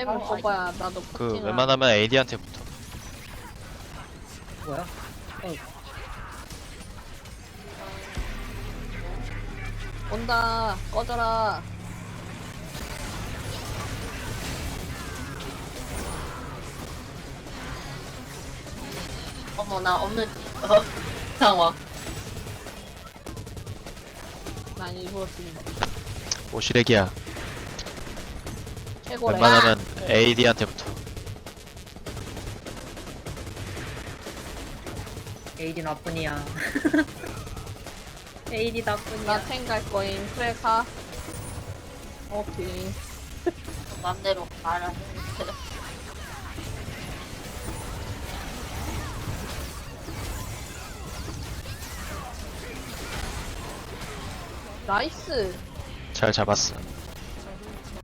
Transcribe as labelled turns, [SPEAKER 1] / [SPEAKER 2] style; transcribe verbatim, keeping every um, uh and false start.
[SPEAKER 1] 템을
[SPEAKER 2] 어,
[SPEAKER 1] 뽑아야 나도
[SPEAKER 3] 그
[SPEAKER 1] 포팅을
[SPEAKER 3] 웬만하면 에이디한테 붙어.
[SPEAKER 2] 뭐야? 어,
[SPEAKER 1] 온다. 꺼져라.
[SPEAKER 4] 어머 나 없는 어 상황.
[SPEAKER 1] 난 일부러 쓰는 거.
[SPEAKER 3] 오시렉이야.
[SPEAKER 1] 최고래.
[SPEAKER 3] 웬만하면 에이디한테 붙어.
[SPEAKER 2] 에이디 나뿐이야. 에이디 나뿐이야.
[SPEAKER 1] 나탱 갈 거임. 그래 가. 오케이.
[SPEAKER 4] 맘대로 말을 했는데.
[SPEAKER 1] 나이스.
[SPEAKER 3] 잘 잡았어.